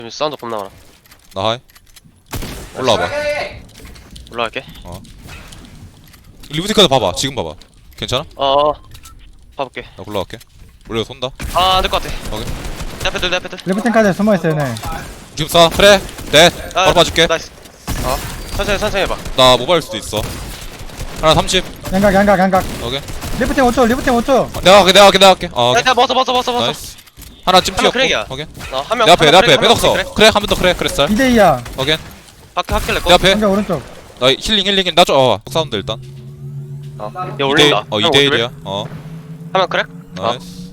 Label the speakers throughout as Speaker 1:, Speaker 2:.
Speaker 1: 사운드 겁나 많아.
Speaker 2: 나 하이. 올라와봐.
Speaker 1: 올라갈게.
Speaker 2: 리부티카드 봐봐. 지금 봐봐. 괜찮아?
Speaker 1: 봐볼게.
Speaker 2: 나 올라갈게. 올려 손다.
Speaker 1: 안 될 것 같아.
Speaker 2: 오케이.
Speaker 1: 내 앞에 내 앞에
Speaker 3: 리프팅까지 숨어있어요 얘네.
Speaker 2: 지금 쏴. 그래. 넷. 바로 봐줄게.
Speaker 1: 나이스. 천천히 해봐.
Speaker 2: 나 모바일 수도 있어. 하나 30.
Speaker 3: 양각.
Speaker 2: 오케이.
Speaker 3: 리프팅 5초.
Speaker 2: 내가 할게.
Speaker 1: 야, 먹었어.
Speaker 2: 나이스. 하나 찜피였고.
Speaker 1: 크랙이야.
Speaker 2: 오케이.
Speaker 1: 한명
Speaker 2: 내 앞에 빼덕서. 그래 한 번 더 그래. 그랬어.
Speaker 3: 2대2야.
Speaker 2: 오케이.
Speaker 1: 학길래
Speaker 2: 내 앞에.
Speaker 3: 양각 오른쪽.
Speaker 2: 나 힐링. 나 좀 사운드 일단.
Speaker 1: 야, 올린다.
Speaker 2: 2대 1이야.
Speaker 1: 한명 크랙?
Speaker 2: 나이스.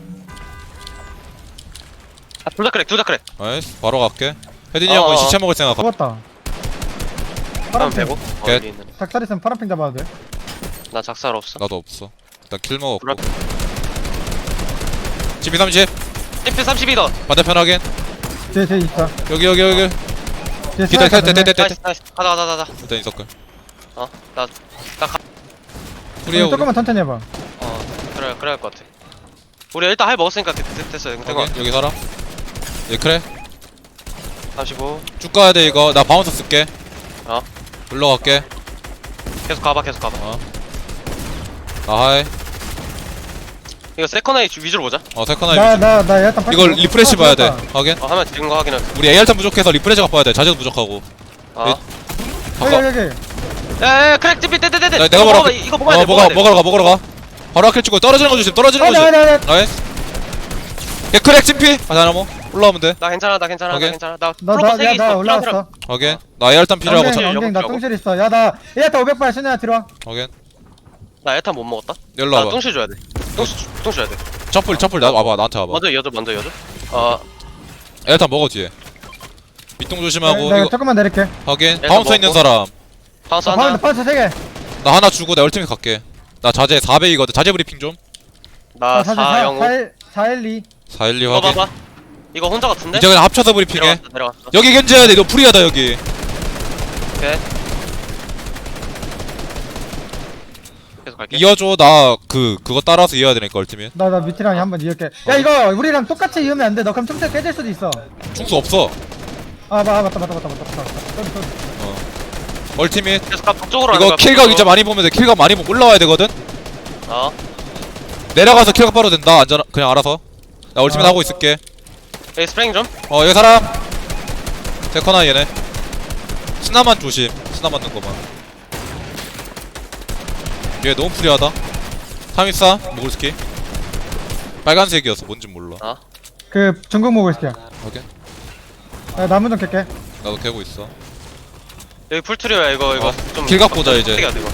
Speaker 1: 둘 다 크랙.
Speaker 2: 나이스. 바로 갈게. 혜딘이 형은 시체 먹을 생각.
Speaker 3: 죽었다.
Speaker 1: 한명
Speaker 3: 파란핑.
Speaker 1: 빼고.
Speaker 2: 겟.
Speaker 1: 어디 있는?
Speaker 3: 닭살 있으면 파란핑 잡아도 돼.
Speaker 1: 나 작살 없어.
Speaker 2: 나도 없어. 일단 킬 먹었고.
Speaker 1: 불알.
Speaker 2: GP 30.
Speaker 1: TP 32더.
Speaker 2: 반대편 확인.
Speaker 3: 뒤에 있어.
Speaker 2: 여기.
Speaker 3: 뒤에
Speaker 2: 기다려.
Speaker 3: 스나이퍼
Speaker 1: 나이스. 가자.
Speaker 2: 일단 인서클.
Speaker 1: 나
Speaker 2: 프리어.
Speaker 3: 조금만 천천히 해봐.
Speaker 1: 그래 할 것 같아. 우리 일단 할 먹었으니까 됐어.
Speaker 2: 확인. 여기 사람. 얘 그래.
Speaker 1: 35.
Speaker 2: 쭉 가야 돼 이거. 나 바운서 쓸게. 올라갈게.
Speaker 1: 계속 가봐.
Speaker 2: 나 하이.
Speaker 1: 이거 세컨아이 위주로 보자.
Speaker 2: 세컨 하이.
Speaker 3: 나 일단
Speaker 2: 이걸 리프레시 봐야 돼. 확인.
Speaker 1: 하면 지금 거 확인할게.
Speaker 2: 우리 AR탄 부족해서 리프레시가 봐야 돼. 자재도 부족하고. 바꿔.
Speaker 3: 여기.
Speaker 1: 야, 크랙 TP 떼.
Speaker 2: 내가 먹으러
Speaker 1: 이거 먹어야 돼.
Speaker 2: 먹으러 가. 바로 아킬 찍고 떨어지는 거 조심. 떨어지는 거 조심. 나이스. 얘 크랙 찜피. 다나모 올라오면 돼.
Speaker 1: 나 괜찮아.
Speaker 2: 오케이.
Speaker 1: 나 프로포 3개 있어.
Speaker 3: 나 올라왔어.
Speaker 2: 확인. 나 AR탄 필요하고.
Speaker 3: 엉갱 나 똥실 있어. 나 얘한테 500발 신호야 들어와.
Speaker 2: 확인.
Speaker 1: 나 에탄 못 먹었다.
Speaker 2: 일로
Speaker 1: 나
Speaker 2: 와봐.
Speaker 1: 똥실 줘야 돼. 똥실 줘야 돼.
Speaker 2: 점플 나 와봐. 나한테 와봐.
Speaker 1: 먼저 여줘.
Speaker 2: AR탄 먹어 뒤에. 밑동 조심하고.
Speaker 3: 내가
Speaker 2: 이거
Speaker 3: 조금만 내릴게.
Speaker 2: 확인.
Speaker 1: 일단
Speaker 2: 바운서 있는
Speaker 1: 먹고.
Speaker 2: 사람.
Speaker 1: 바운스 한다.
Speaker 3: 파운드 3개.
Speaker 2: 나 하나 주고 나 얼티밋 갈게. 나 자재 400이거든. 자재 브리핑 좀.
Speaker 1: 나 405.
Speaker 3: 412.
Speaker 2: 412
Speaker 1: 이거
Speaker 2: 확인.
Speaker 1: 봐봐. 이거 혼자 같은데?
Speaker 2: 이제 그냥 합쳐서 브리핑해.
Speaker 1: 내려왔어.
Speaker 2: 여기 견제해야 돼. 너 프리하다 여기.
Speaker 1: 오케이. 계속 갈게.
Speaker 2: 이어줘. 나 그거 따라서 이어야 되니까 얼티밋.
Speaker 3: 나 밑이랑 한번 이을게. 야 이거 우리랑 똑같이 이으면 안 돼. 너 그럼 틈새 깨질 수도 있어.
Speaker 2: 충수 없어.
Speaker 3: 맞다.
Speaker 2: 얼티밋.
Speaker 1: 계속 가 북쪽으로 가는
Speaker 2: 이거
Speaker 1: 거야,
Speaker 2: 킬각
Speaker 1: 북쪽으로.
Speaker 2: 이제 많이 보면 돼. 킬각 많이 보면 올라와야 되거든. 내려가서 킬각 바로 된다. 안전 그냥 알아서. 나 얼티밋 하고 있을게.
Speaker 1: 에이 스프링 좀.
Speaker 2: 여기 사람. 데커나 얘네. 스나만 조심. 스나 맞는 거만. 얘 너무 프리하다. 324 모글스키. 빨간색이어서 뭔진 몰라.
Speaker 3: 그 중국 먹을 시켜.
Speaker 2: 오케이.
Speaker 3: 야 나무 좀 캘게.
Speaker 2: 나도 캐고 있어.
Speaker 1: 여기 풀트리오야 이거 좀.
Speaker 2: 길각 보자, 이제.
Speaker 1: 어떻게 해야 돼, 이거.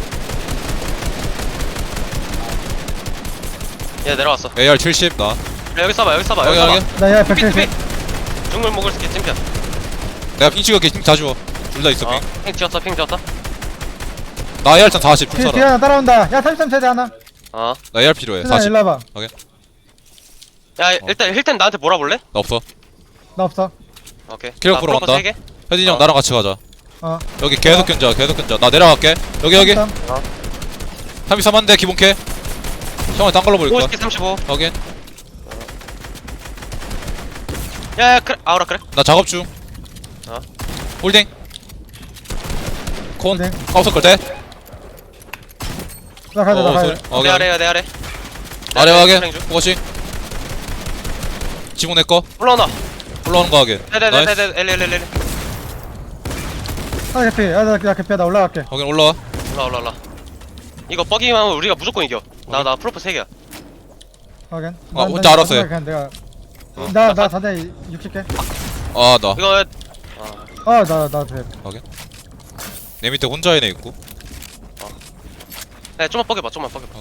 Speaker 1: 얘 내려왔어.
Speaker 2: AR 70 나.
Speaker 1: 야, 여기 써봐.
Speaker 2: 여기.
Speaker 3: 나야 170.
Speaker 1: 중물 먹을 수 있게 찜편.
Speaker 2: 내가 핑 찍을게. 핑 다 주워. 둘 다 있어 핑.
Speaker 1: 핑 지었다.
Speaker 2: 나 AR 참 40.
Speaker 3: 뒤에
Speaker 2: 풀사라.
Speaker 3: 하나 따라온다. 야 33세대 하나.
Speaker 2: 나 AR 필요해.
Speaker 3: 신아
Speaker 2: 40.
Speaker 3: 일로 와봐.
Speaker 1: 야, 일단 힐템 나한테 몰아볼래?
Speaker 2: 나 없어.
Speaker 3: 나 없어.
Speaker 1: 오케이.
Speaker 2: 킬각
Speaker 1: 나
Speaker 2: 보러
Speaker 1: 프로포
Speaker 2: 간다.
Speaker 1: 3개?
Speaker 2: 혜진이 형 나랑 같이 가자. 여기
Speaker 3: 어.
Speaker 2: 계속 견자. 나 내려갈게. 여기. 33 한대 기본 캐. 형을 딴 걸로 보일 거야.
Speaker 1: 50개 35.
Speaker 2: 확인.
Speaker 1: 야, 그래. 아우라 그래.
Speaker 2: 나 작업 중. 홀딩. 콘.
Speaker 3: 홀딩.
Speaker 2: 카우서클 대.
Speaker 3: 나 가자.
Speaker 2: 소리.
Speaker 1: 내 아래.
Speaker 2: 아래 확인.
Speaker 1: 스프링 중.
Speaker 2: 포커싱. 지붕 내 거.
Speaker 1: 올라오나.
Speaker 2: 올라오는 거 확인. 나이스.
Speaker 1: 엘리.
Speaker 3: 나 개피. 나 개피야. 나 올라갈게.
Speaker 2: 확인 올라와.
Speaker 1: 올라. 이거 버기만 하면 우리가 무조건 이겨. 나 프로포 3개야.
Speaker 3: 확인.
Speaker 2: 혼자 알아서 해.
Speaker 3: 그냥 내가 나 4대 60개.
Speaker 2: 아 나.
Speaker 1: 이거
Speaker 3: 나 돼.
Speaker 2: 내 밑에 혼자 애네 있고.
Speaker 1: 야, 좀만 뻐겨봐.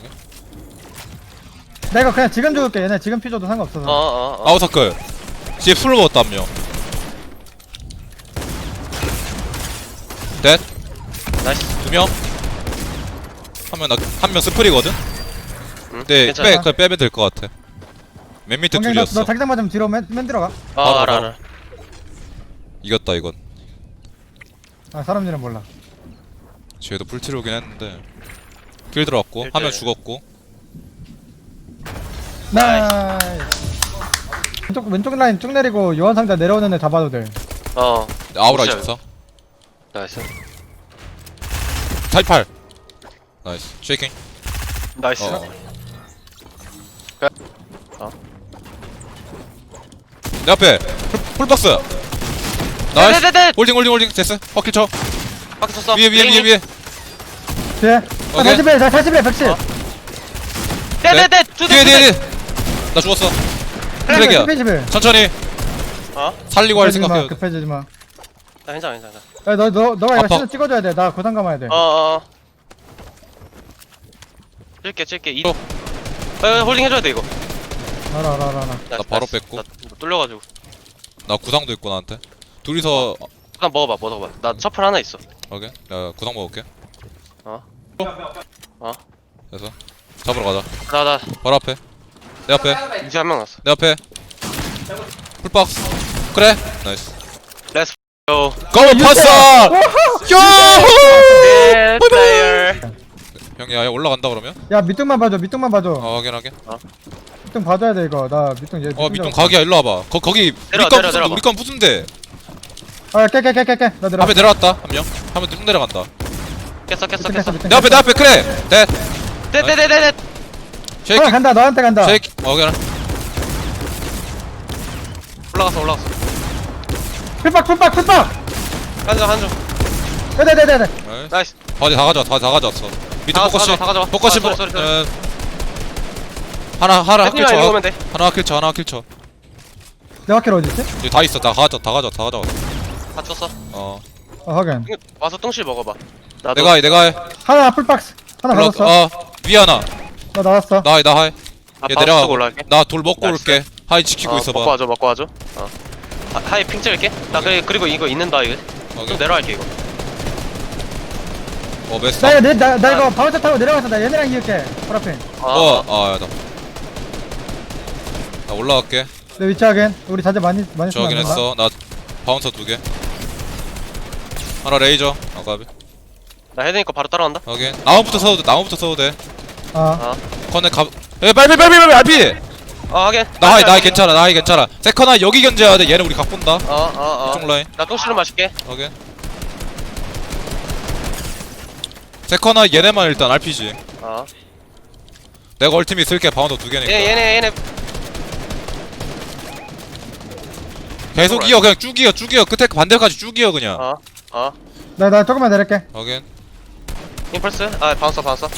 Speaker 3: 내가 그냥 지금 죽을게. 얘네 지금 피 줘도 상관없어.
Speaker 2: 아웃서클. 뒤에 풀로 먹었다 한 명. 넷.
Speaker 1: 나이스.
Speaker 2: 2명. 한 명 스프리거든. 네,
Speaker 1: 괜찮아.
Speaker 2: 그냥 빼면 될 것 같아. 맨 밑에
Speaker 3: 너
Speaker 2: 둘이었어.
Speaker 3: 자기장 맞으면 뒤로 맨 들어가.
Speaker 1: 알아.
Speaker 2: 이겼다 이건.
Speaker 3: 사람 일은 몰라.
Speaker 2: 쟤도 풀트로긴 했는데. 킬 들어왔고 한 명 죽었고.
Speaker 3: 나이스. 왼쪽 왼쪽 라인 쭉 내리고 요한상자 내려오는 애 잡아도 돼.
Speaker 1: 어
Speaker 2: 아우라
Speaker 1: 진짜.
Speaker 2: 있었어.
Speaker 1: 나이스
Speaker 2: 타이팔. 나이스. 쉐이킹.
Speaker 1: 나이스
Speaker 2: 내 앞에 풀박스. 나이스.
Speaker 1: 네네네
Speaker 2: 홀딩 됐어. 퍼킬 쳐.
Speaker 1: 바퀴 쳤어
Speaker 2: 위에
Speaker 1: 비행기.
Speaker 2: 위에.
Speaker 3: 뒤에.
Speaker 2: 오케이.
Speaker 3: 40에 40에 110.
Speaker 1: 네네네
Speaker 2: 뒤에. 나 죽었어. 트랙이야.
Speaker 3: 11.
Speaker 2: 천천히
Speaker 1: 어?
Speaker 2: 살리고 할 생각해.
Speaker 3: 급해지지 마.
Speaker 1: 나 괜찮아 괜찮아
Speaker 3: 야, 너가 이거
Speaker 2: 아파.
Speaker 3: 신호 찍어줘야 돼. 나 고상 감아야 돼.
Speaker 1: 어어 찔게 이 홀딩 해줘야 돼 이거
Speaker 3: 알아.
Speaker 1: 나
Speaker 2: 바로 뺐고.
Speaker 1: 나 뚫려가지고
Speaker 2: 나 구상도 있고 나한테. 둘이서
Speaker 1: 일단 먹어봐 나 셔플 하나 있어
Speaker 2: 오케이. 나 구상 먹을게.
Speaker 1: 어?
Speaker 2: 됐어. 잡으러 가자.
Speaker 1: 나
Speaker 2: 바로 앞에. 내 앞에.
Speaker 1: 이제 한 명 났어
Speaker 2: 내 앞에. 풀박스. 그래. 나이스.
Speaker 1: 렛츠 고
Speaker 2: 고 파사. 요!
Speaker 1: 네 플레이어
Speaker 2: 형이 아예 올라간다 그러면?
Speaker 3: 야, 밑둥만 봐줘.
Speaker 2: 확인하게.
Speaker 3: 밑둥 봐줘야 돼 이거. 나 밑둥 얘.
Speaker 2: 밑동 각이야. 일로 와봐. 거기
Speaker 1: 내려와.
Speaker 2: 우리 건 부순데.
Speaker 3: 깨. 나 들어.
Speaker 2: 앞에 내려왔다. 한 명. 한 명 쭉 내려간다.
Speaker 1: 깼어
Speaker 2: 내 앞에 그래. 넷.
Speaker 1: 네네네네
Speaker 2: 쉐이킹.
Speaker 3: 간다. 너한테 간다.
Speaker 2: 쉐이킹. 오케이.
Speaker 1: 올라갔어
Speaker 3: 풀박.
Speaker 1: 한점
Speaker 3: 네네네네.
Speaker 1: 나이스
Speaker 2: 바지 다 가져왔어. 밑에
Speaker 1: 다
Speaker 2: 포커싱.
Speaker 1: 가져와.
Speaker 2: 포커싱.
Speaker 1: 아, 쏘리.
Speaker 2: 하나 킬
Speaker 1: 햇님이랑 이거
Speaker 2: 쳐.
Speaker 1: 오면 돼
Speaker 2: 하나 킬 쳐.
Speaker 3: 내 바퀴 어디 있지?
Speaker 2: 여기 다 있어. 다 가져왔어.
Speaker 1: 다 쳤어
Speaker 3: 확인.
Speaker 1: 이거 와서 똥실 먹어봐 나도
Speaker 2: 내가 해.
Speaker 3: 하나 풀박스. 하나
Speaker 2: 올라.
Speaker 3: 받았어.
Speaker 2: 위에 하나.
Speaker 3: 나 나왔어.
Speaker 2: 나 해.
Speaker 1: 나
Speaker 2: 얘
Speaker 1: 바로
Speaker 2: 내려가고.
Speaker 1: 쓰고 올라갈게
Speaker 2: 나 돌 먹고
Speaker 1: 나이스.
Speaker 2: 올게. 하이 지키고 있어봐.
Speaker 1: 먹고 와줘 하이 핑 찍을게 나 그리고 이거 있는다 이거
Speaker 2: 오케이.
Speaker 1: 좀 내려갈게 이거
Speaker 2: 메스.
Speaker 3: 나 이거 바운서 타고 내려가서 나 얘네랑 이을게. 파라핀.
Speaker 2: 야, 나 올라갈게.
Speaker 3: 내 위치 확인. 우리 자제 많이
Speaker 2: 저
Speaker 3: 쓰면 안 된다.
Speaker 2: 확인했어. 나 바운서 2개. 하나 레이저. 아까비.
Speaker 1: 나 헤드니 거 바로 따라간다
Speaker 2: 확인. 나무부터 써도 돼.
Speaker 3: 아.
Speaker 2: 커넥 가. 빨리 RP.
Speaker 1: 하긴
Speaker 2: 나 괜찮아. 세컨아 여기 견제해야 돼. 얘는 우리 각 본다. 이쪽 라인.
Speaker 1: 나 똥실로 마실게
Speaker 2: 확인. 세컨아 얘네만 일단 RPG. 내가 얼티밋 쓸게. 바운더 2개니까.
Speaker 1: 얘네
Speaker 2: 계속 이어. 그냥 쭉 이어. 끝에 반대까지 쭉 이어 그냥.
Speaker 3: 나 조금만 내릴게.
Speaker 2: 확인.
Speaker 1: 임펄스 바운서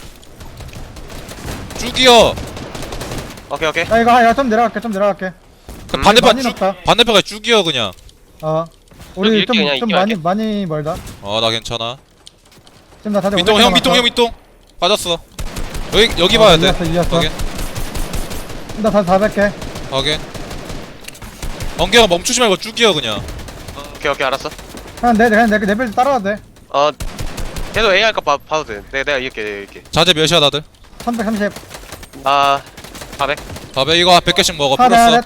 Speaker 2: 쭉 이어.
Speaker 1: 오케이
Speaker 3: 나 이거 좀 내려갈게.
Speaker 2: 그 반대편
Speaker 3: 많이 높다.
Speaker 2: 반대편까지 쭉 이어 그냥.
Speaker 3: 우리
Speaker 1: 이렇게 그냥
Speaker 3: 좀
Speaker 1: 이렇게
Speaker 3: 많이 멀다.
Speaker 2: 나 괜찮아.
Speaker 3: 지금 나 다들
Speaker 2: 밑동 빠졌어. 여기 봐야 돼.
Speaker 3: 이겼어.
Speaker 2: 확인.
Speaker 3: 나 다 400개.
Speaker 2: 확인. 번개가 멈추지 말고 쭉 이어 그냥.
Speaker 1: 오케이 알았어
Speaker 3: 그냥 내 레벨 따라와도 돼.
Speaker 1: 걔도 A 할까 봐도 돼 내가 이길게
Speaker 2: 자재 몇이야 다들?
Speaker 3: 330.
Speaker 1: 나 400
Speaker 2: 밥에 이거 100개씩 먹어.
Speaker 3: 하나,
Speaker 2: 플러스.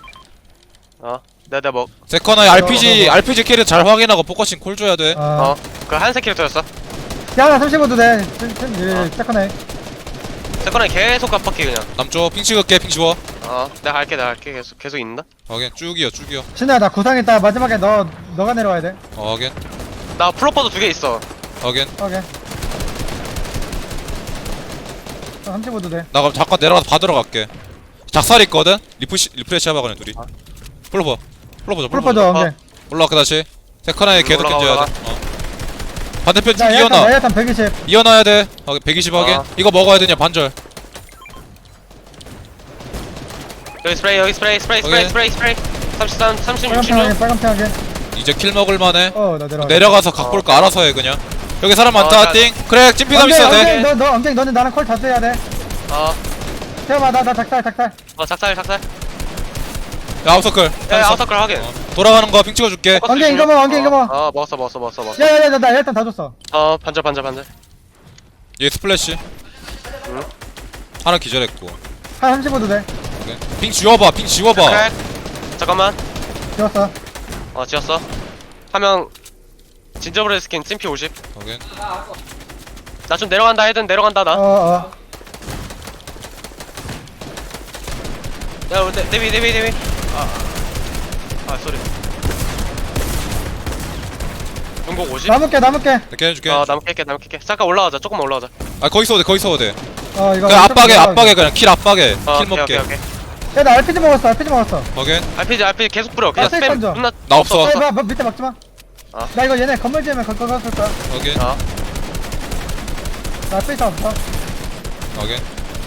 Speaker 1: 내가 뭐
Speaker 2: 세컨아에 RPG 캐릭 잘 확인하고 포커싱 콜 줘야 돼.
Speaker 1: 그 한색 캐릭터였어
Speaker 3: 야, 나 35도 돼. 세컨에.
Speaker 1: 세컨에 계속 깜빡해 그냥
Speaker 2: 남쪽 핑 찍을게. 핑 지워.
Speaker 1: 내가 갈게 계속 있는다
Speaker 2: 확인. 쭉 이어.
Speaker 3: 신우야, 나 구상했다. 마지막에 너가 내려와야 돼.
Speaker 2: 확인.
Speaker 1: 나 플로퍼도 2개 있어
Speaker 2: 확인.
Speaker 3: 오케이. 35도 돼.
Speaker 2: 나 그럼 잠깐 내려가서 받으러 갈게. 작살 있거든? 리프레시 해봐 그냥 둘이. 풀러봐.
Speaker 3: 풀퍼져, 오케이.
Speaker 2: 올라갈게 다시. 세컨아에 계속
Speaker 1: 올라가,
Speaker 2: 견제해야 돼. 반대편 쭉
Speaker 3: 나
Speaker 2: 이어놔.
Speaker 3: 야탄 120.
Speaker 2: 이어놔야 돼. 120 확인. 이거 먹어야 되냐 반절.
Speaker 1: 여기 스프레이 33 36 16
Speaker 3: 빨간 편하게.
Speaker 2: 이제 킬 먹을만해.
Speaker 3: 나 내려와.
Speaker 2: 내려가서 각 볼 거 알아서 해 그냥. 여기 사람 많다.
Speaker 1: 나-
Speaker 2: 띵. 그래 찜피담 있어야 돼.
Speaker 3: 너는 나랑 콜 자주 해야 돼. 태워봐, 나 작살.
Speaker 1: 작살
Speaker 2: 야 아웃서클.
Speaker 1: 아웃서클 확인
Speaker 2: 돌아가는 거 핑 찍어줄게.
Speaker 3: 엉덩이 이거 먹어.
Speaker 1: 먹었어
Speaker 3: 야, 나 일단 다 줬어.
Speaker 1: 반절
Speaker 2: 얘 스플래시. 하나 기절했고.
Speaker 3: 한 35도 돼.
Speaker 2: 오케이. 핑 지워봐.
Speaker 1: 크랙. 잠깐만
Speaker 3: 지웠어.
Speaker 1: 지웠어 하면 진저브레드 스킨 찜피 50
Speaker 2: 확인.
Speaker 1: 나 좀 내려간다 헤든 내려간다 나 야 우리 데비 쏘리. 중국 50?
Speaker 3: 남을게
Speaker 2: 내가 해줄게.
Speaker 1: 나무 깰게 잠깐 올라가자. 조금만 올라가자.
Speaker 2: 아 거기 서도 돼 거기 서도 돼.
Speaker 3: 이거
Speaker 2: 그냥 압박에 그냥 킬 압박에 킬
Speaker 1: 오케이,
Speaker 2: 먹게.
Speaker 1: 오케이.
Speaker 3: 야나 RPG 먹었어
Speaker 2: 확인.
Speaker 1: RPG 계속 뿌려. 그냥
Speaker 3: 아,
Speaker 1: 스팸
Speaker 3: 던져.
Speaker 1: 존나.
Speaker 2: 나 없어.
Speaker 3: 뭐 밑에 막지마
Speaker 1: 아.
Speaker 3: 나 이거 얘네 건물 지으면 거기 갔을 거야
Speaker 2: 확인.
Speaker 1: 아,
Speaker 3: 나 스페이스 없어
Speaker 2: 확인.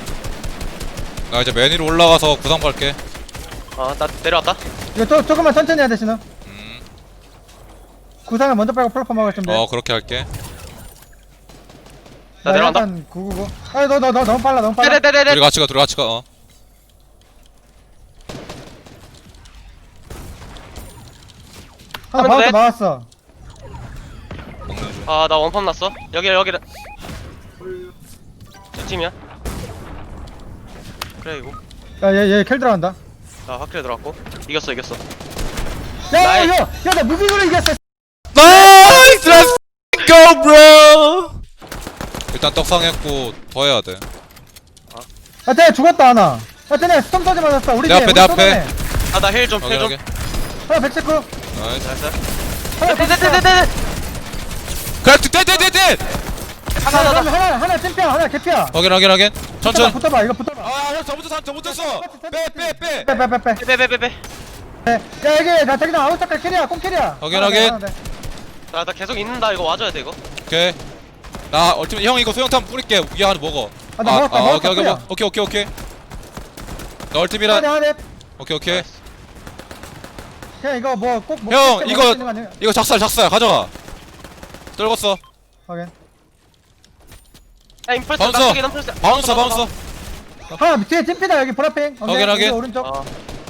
Speaker 2: 나 이제 맨 위로 올라가서 구상 밟게.
Speaker 1: 나 내려왔다.
Speaker 3: 이거 조금만 천천히 해야 돼 신호
Speaker 2: 음.
Speaker 3: 구상을 먼저 빼고 플랫폼 먹을 준비
Speaker 2: 그렇게 할게.
Speaker 1: 나 내려간다.
Speaker 3: 999 너 너무 빨라
Speaker 1: 네네네네.
Speaker 2: 둘이 같이 가.
Speaker 3: 하나
Speaker 1: 하면
Speaker 3: 바운스
Speaker 1: 돼?
Speaker 3: 막았어
Speaker 2: 먹는 중.
Speaker 1: 나 원펌 났어. 여기를. 저 팀이야. 그래 이거.
Speaker 3: 야얘 킬 들어간다
Speaker 1: 나 확실히 들어갔고. 이겼어.
Speaker 3: 야야야나 무빙으로 이겼어
Speaker 2: 나이스! Let's go, bro! 일단 떡상했고 더 해야 돼.
Speaker 3: 쟤 죽었다 하나 쟤네 스톰 터지 맞았어 우리
Speaker 2: 내 앞에,
Speaker 3: 우리
Speaker 2: 내 앞에.
Speaker 3: 쏘네.
Speaker 1: 나 힐 좀.
Speaker 2: 확인.
Speaker 3: 하나 119
Speaker 2: 나이스.
Speaker 1: 나이스.
Speaker 3: 하나 119
Speaker 1: 네네네네.
Speaker 2: 그래,
Speaker 3: 하나 찐피야 하나 개피야
Speaker 2: 확인. 천천.
Speaker 3: 붙어봐 이거 붙어봐
Speaker 2: 형 잘못했어. 빼.
Speaker 3: 빼빼빼빼
Speaker 1: 빼빼빼빼.
Speaker 3: 야 여기 나 자기장 아웃사클 캐리야 꽁 캐리야
Speaker 2: 확인.
Speaker 1: 나 계속 있는다. 이거 와줘야 돼 이거.
Speaker 2: 오케이. 나 얼티밋 형 이거 소형탄 뿌릴게. 위에 하나 먹어.
Speaker 3: 나 먹었다
Speaker 2: 오케이. 나 얼티밋이라.
Speaker 3: 하나
Speaker 2: 오케이.
Speaker 3: 그냥 이거 뭐꼭
Speaker 2: 형 이거 작살 가져가. 떨궜어.
Speaker 3: 확인
Speaker 1: 야 임펄스.
Speaker 2: 바운서.
Speaker 1: 나 임펄스.
Speaker 2: 바운서.
Speaker 3: 하나 뒤에 찐피다 여기 보라핑
Speaker 2: 확인.
Speaker 3: 오른쪽
Speaker 1: 어.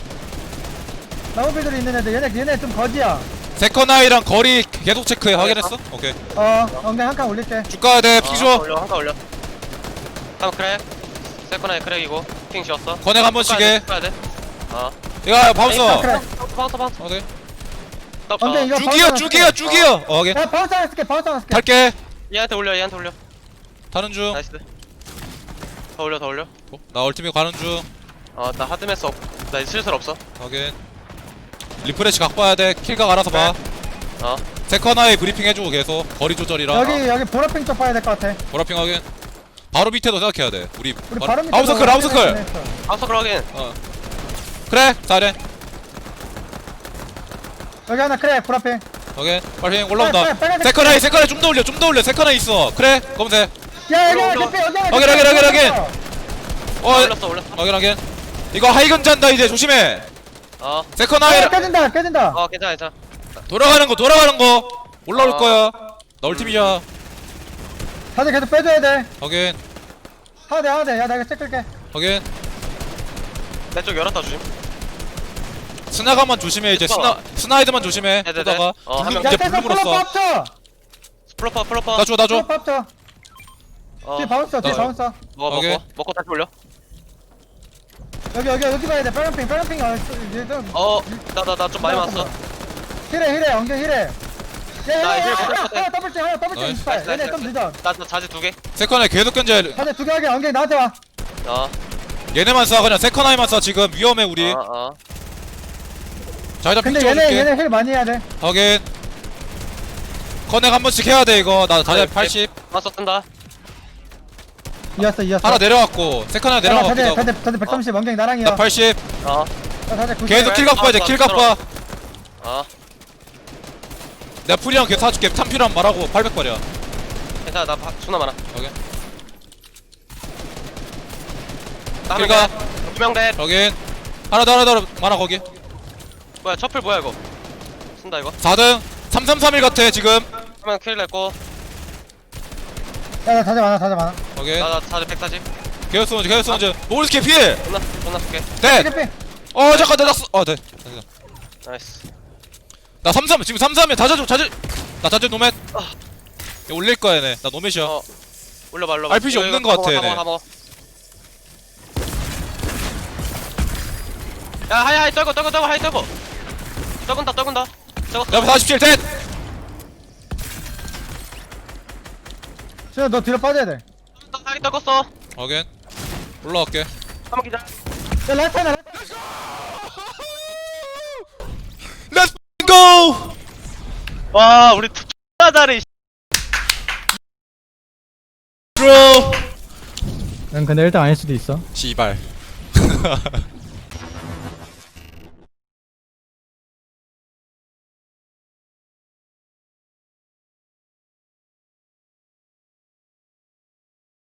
Speaker 3: 나무빌들이 있는 애들 얘네 좀 거지야
Speaker 2: 세컨아이랑 거리 계속 체크해. 확인했어? 오케이.
Speaker 3: 엉덩이 한 칸 올릴게
Speaker 2: 쭉 가야 돼. 피 줘.
Speaker 1: 한칸 올려. 다음 크랙. 세컨아이 크랙이고. 핑 지웠어.
Speaker 2: 커넥 한 번씩 해.
Speaker 1: 가야 돼.
Speaker 2: 야 바운서.
Speaker 3: 그래.
Speaker 1: 바운서.
Speaker 2: 오케이.
Speaker 3: 엉덩이 이거
Speaker 2: 쭉이요. 오케이.
Speaker 3: 야 바운스 하나 쓸게
Speaker 2: 탈게.
Speaker 1: 얘한테 올려.
Speaker 2: 타는 중.
Speaker 1: 나이스. 더 올려.
Speaker 2: 나 얼티밋 가는 중.
Speaker 1: 나 하드메스 나 슬슬 없어.
Speaker 2: 확인. 리프레시 각 봐야 돼. 킬각 알아서 봐.
Speaker 1: 어.
Speaker 2: 세컨아이 브리핑 해주고 계속 거리 조절이랑.
Speaker 3: 여기 보라핑 쪽 봐야 될 것 같아
Speaker 2: 보라핑 확인. 바로 밑에도 생각해야 돼. 우리
Speaker 3: 바로 밑에
Speaker 2: 아웃서클.
Speaker 1: 아웃서클 확인.
Speaker 2: 그래. 잘해.
Speaker 3: 여기 하나 그래 보라핑
Speaker 2: 확인. 빨리 올라온다.
Speaker 3: 빨리
Speaker 2: 세컨아이 좀 더 올려. 세컨아이 있어. 그래. 검색.
Speaker 3: 야 여기
Speaker 1: 올라,
Speaker 3: 개피 여기
Speaker 2: 확인.
Speaker 1: 올렸어.
Speaker 2: 확인. 이거 하이건 잔다 이제 조심해. 세컨아이
Speaker 3: 깨진다
Speaker 1: 괜찮아.
Speaker 2: 돌아가는 거 올라올 거야. 나 얼티밋이야.
Speaker 3: 다들 계속 빼줘야 돼
Speaker 2: 확인.
Speaker 3: 하나 돼 야 나 이거 체크할게
Speaker 2: 확인.
Speaker 1: 내 쪽 열었다 주심.
Speaker 2: 스나가만 조심해 이제. 스나이드만 조심해.
Speaker 1: 네네네.
Speaker 2: 쏘다가
Speaker 1: 한 명.
Speaker 2: 이제
Speaker 3: 야
Speaker 2: 블루 물었어.
Speaker 3: 합쳐
Speaker 1: 플로퍼.
Speaker 2: 나 줘.
Speaker 3: 플로퍼 합쳐 뒤에 바운스 뒤에
Speaker 2: 나-
Speaker 3: 바운스
Speaker 2: 오케이.
Speaker 1: 먹고 다시 올려.
Speaker 3: 여기 봐야 돼 빨간핑
Speaker 1: 나 좀 많이 맞았어.
Speaker 3: 힐해 엉덩 힐해
Speaker 1: 나 힐
Speaker 3: 하나
Speaker 1: 못했거든.
Speaker 3: 더블증
Speaker 2: 나이스,
Speaker 3: 있어 얘네 좀 늦어
Speaker 1: 나 자지 2개.
Speaker 2: 세컨아이 계속 견제.
Speaker 3: 다들 두개 하게 엉덩이 나한테 와
Speaker 2: 얘네만 쏴. 그냥 세컨아이만 쏴. 지금 위험해 우리. 자 일단 픽
Speaker 3: 근데
Speaker 2: 찍어줄게.
Speaker 3: 얘네 힐 많이 해야 돼
Speaker 2: 확인. 커넥 한 번씩 해야 돼 이거. 나 자리 80.
Speaker 1: 맞서 뜬다.
Speaker 3: 이었어
Speaker 2: 하나 내려왔고 세컨아이 내려왔기도 하고.
Speaker 3: 다들 130 엉덩이 나랑이야
Speaker 2: 나 80.
Speaker 3: 다들 90
Speaker 2: 계속 킬각 봐야 돼. 킬각 봐. 내가 풀이랑 걔 사줄게. 탐 필요하면 말하고 800발이야.
Speaker 1: 괜찮아. 나 수나 많아.
Speaker 2: 확인.
Speaker 1: 나
Speaker 2: 킬각.
Speaker 1: 2명 돼.
Speaker 2: 확인. 하나 더 많아 거기.
Speaker 1: 뭐야 첩플 뭐야 이거. 쓴다 이거.
Speaker 2: 4등 3331 같아 지금.
Speaker 1: 한명 킬 냈고.
Speaker 3: 야나 다들 많아
Speaker 2: 확인.
Speaker 1: 나 자지 140.
Speaker 2: 개어스원즈 모르스케 필.
Speaker 1: 존나 쓸게.
Speaker 2: 돼.
Speaker 3: 힐피
Speaker 2: 잠깐 나 낙수. 돼.
Speaker 1: 나이스.
Speaker 2: 나 33 지금 33에 나 자주 노멧. 얘 올릴 거야 얘네. 나 노멧이야.
Speaker 1: 올려봐.
Speaker 2: RPG
Speaker 1: 이거,
Speaker 2: 없는
Speaker 1: 이거
Speaker 2: 것
Speaker 1: 다
Speaker 2: 같아,
Speaker 1: 먹어,
Speaker 2: 얘네.
Speaker 1: 다 먹어. 야 하이 떨고 하이 떨고. 떨군다.
Speaker 2: 내 앞에 47 돼.
Speaker 3: 신호 너 뒤로 빠져야 돼
Speaker 1: 하이 떨궜어.
Speaker 2: 확인. 올라갈게.
Speaker 1: 한번 기다.
Speaker 3: 야 라이트 하나
Speaker 1: 와 우리 X나 잘해
Speaker 2: 브로
Speaker 3: 응 근데 일단 아닐 수도 있어.
Speaker 2: 씨발